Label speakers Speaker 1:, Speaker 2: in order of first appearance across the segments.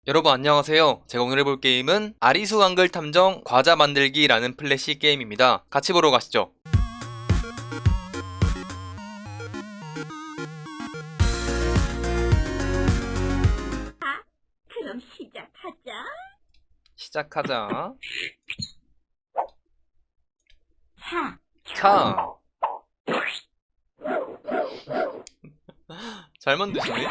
Speaker 1: 여러분 안녕하세요. 제가 오늘 해볼 게임은 아리수 한글 탐정 과자 만들기라는 플래시 게임입니다. 같이 보러 가시죠.
Speaker 2: 그럼 시작하자.
Speaker 1: 시작하자.
Speaker 2: 차,
Speaker 1: 잘 만드시네.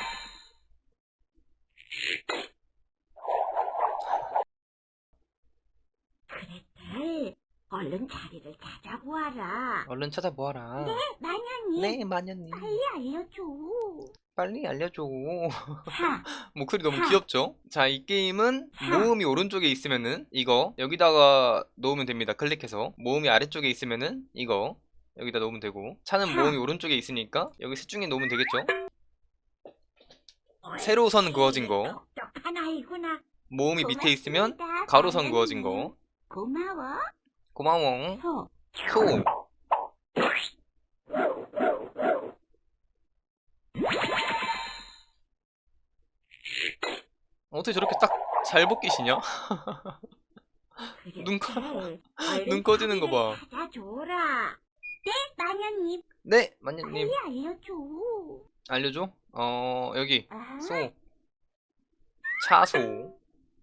Speaker 2: 그랬대. 얼른 자리를 찾아보아라.
Speaker 1: 얼른 찾아보아라.
Speaker 2: 마녀님,
Speaker 1: 네, 마녀님.
Speaker 2: 빨리 알려줘.
Speaker 1: 빨리 알려줘.
Speaker 2: 차,
Speaker 1: 목소리 너무 귀엽죠? 자, 이 게임은 모음이 오른쪽에 있으면은 이거 여기다가 놓으면 됩니다. 클릭해서. 모음이 아래쪽에 있으면은 이거 여기다 놓으면 되고, 차는 모음이 오른쪽에 있으니까 여기 셋 중에 놓으면 되겠죠? 세로 선 그어진 거.
Speaker 2: 똑똑한 아이구나.
Speaker 1: 모음이 밑에 있으면
Speaker 2: 고맙습니다,
Speaker 1: 가로선
Speaker 2: 마녀님.
Speaker 1: 그어진 거.
Speaker 2: 고마워.
Speaker 1: 고마워.
Speaker 2: 소,
Speaker 1: 소. 어떻게 저렇게 딱 잘 벗기시냐? 눈 커- 눈 꺼지는 거 봐.
Speaker 2: 찾아줘라. 네, 마녀님,
Speaker 1: 네, 마녀님.
Speaker 2: 빨리 알려줘.
Speaker 1: 알려줘? 여기.
Speaker 2: 아,
Speaker 1: 소. 차소.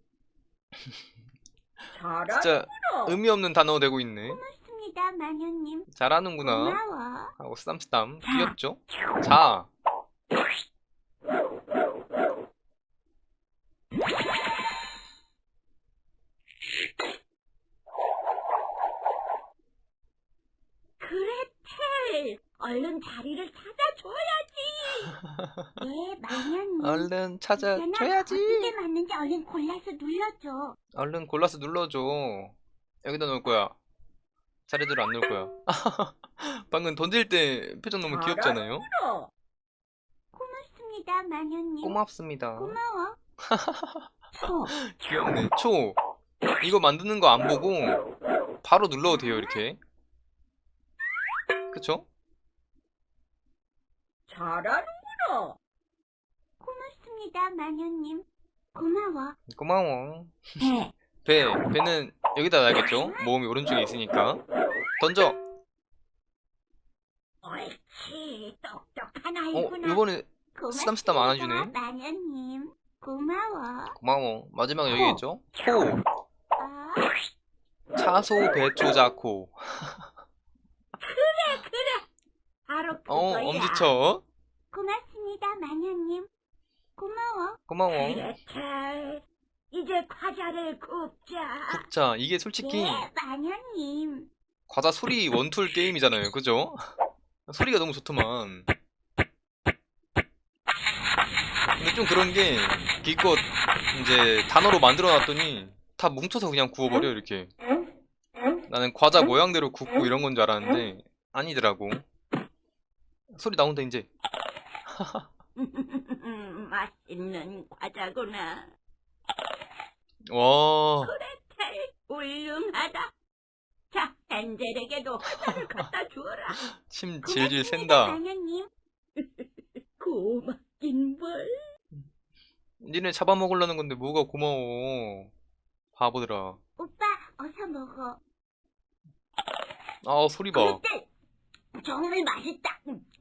Speaker 1: 진짜 의미 없는 단어 되고 있네.
Speaker 2: 고맙습니다, 마녀님.
Speaker 1: 잘하는구나.
Speaker 2: 고마워.
Speaker 1: 하고 쓰담쓰담. 귀엽죠? 자.
Speaker 2: 그레텔, 얼른 자리를 찾아줘야지. 네, 마녀님.
Speaker 1: 얼른
Speaker 2: 있잖아,
Speaker 1: 찾아줘야지.
Speaker 2: 어떻게 맞는지 얼른 골라서 눌러줘.
Speaker 1: 얼른 골라서 눌러줘. 여기다 놓을 거야. 자리대로 안 놓을 거야. 방금 던질 때 표정 너무 귀엽잖아요?
Speaker 2: 고맙습니다, 마녀님.
Speaker 1: 고맙습니다.
Speaker 2: 고마워. 소,
Speaker 1: 귀엽네. 초. 이거 만드는 거 안 보고 바로 눌러도 돼요, 이렇게. 그쵸?
Speaker 2: 잘하는구나. 고맙습니다, 마녀님. 고마워.
Speaker 1: 고마워.
Speaker 2: 배,
Speaker 1: 배는 여기다 놔야겠죠? 모음이 오른쪽에 있으니까. 던져.
Speaker 2: 옳지. 똑똑한 아이구나.
Speaker 1: 이번에 쓰담쓰담 안 해주네.
Speaker 2: 고맙습니다, 마녀님. 고마워.
Speaker 1: 고마워. 마지막에 여기겠죠? 코.
Speaker 2: 아,
Speaker 1: 차소 배초 자코.
Speaker 2: 바로 그거야.
Speaker 1: 엄지척.
Speaker 2: 고맙습니다, 마녀님. 고마워.
Speaker 1: 고마워.
Speaker 2: 그레텔, 이제 과자를 굽자.
Speaker 1: 굽자. 이게 솔직히
Speaker 2: 네, 마녀님.
Speaker 1: 과자 소리 원툴 게임이잖아요. 그죠? 소리가 너무 좋더만. 근데 좀 그런 게 기껏 이제 단어로 만들어 놨더니 다 뭉쳐서 그냥 구워버려, 이렇게. 나는 과자 모양대로 굽고 이런 건 줄 알았는데 아니더라고. 소리 나온다, 이제.
Speaker 2: 맛있는 과자구나.
Speaker 1: 와,
Speaker 2: 그레텔, 훌륭하다. 자, 엔젤에게도 과자를 갖다 주어라.
Speaker 1: 침 질질
Speaker 2: 고맙습니다,
Speaker 1: 샌다.
Speaker 2: 마녀님. 고맙긴 뭘.
Speaker 1: 니네 잡아먹으려는 건데 뭐가 고마워. 바보들아.
Speaker 2: 오빠, 어서 먹어.
Speaker 1: 아, 소리 봐.
Speaker 2: 그레텔, 정말 맛있다.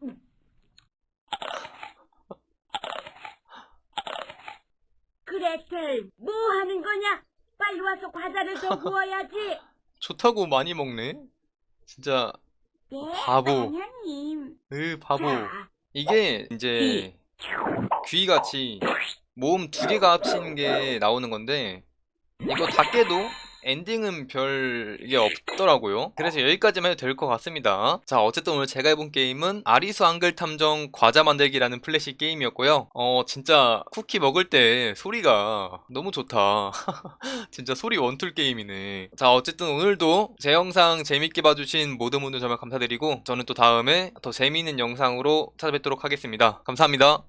Speaker 2: 그레텔, 뭐 하는 거냐? 빨리 와서 과자를 더 구워야지.
Speaker 1: 좋다고 많이 먹네. 진짜
Speaker 2: 네,
Speaker 1: 바보.
Speaker 2: 마녀님.
Speaker 1: 바보.
Speaker 2: 자,
Speaker 1: 이게 이제 귀같이 모음 두 개가 합친 게 나오는 건데 이거 다 깨도 엔딩은 별게 없더라고요. 그래서 여기까지만 해도 될 것 같습니다. 자, 어쨌든 오늘 제가 해본 게임은 아리수 한글 탐정 과자 만들기라는 플래시 게임이었고요. 진짜 쿠키 먹을 때 소리가 너무 좋다. 진짜 소리 원툴 게임이네. 자, 어쨌든 오늘도 제 영상 재밌게 봐주신 모든 분들 정말 감사드리고 저는 또 다음에 더 재미있는 영상으로 찾아뵙도록 하겠습니다. 감사합니다.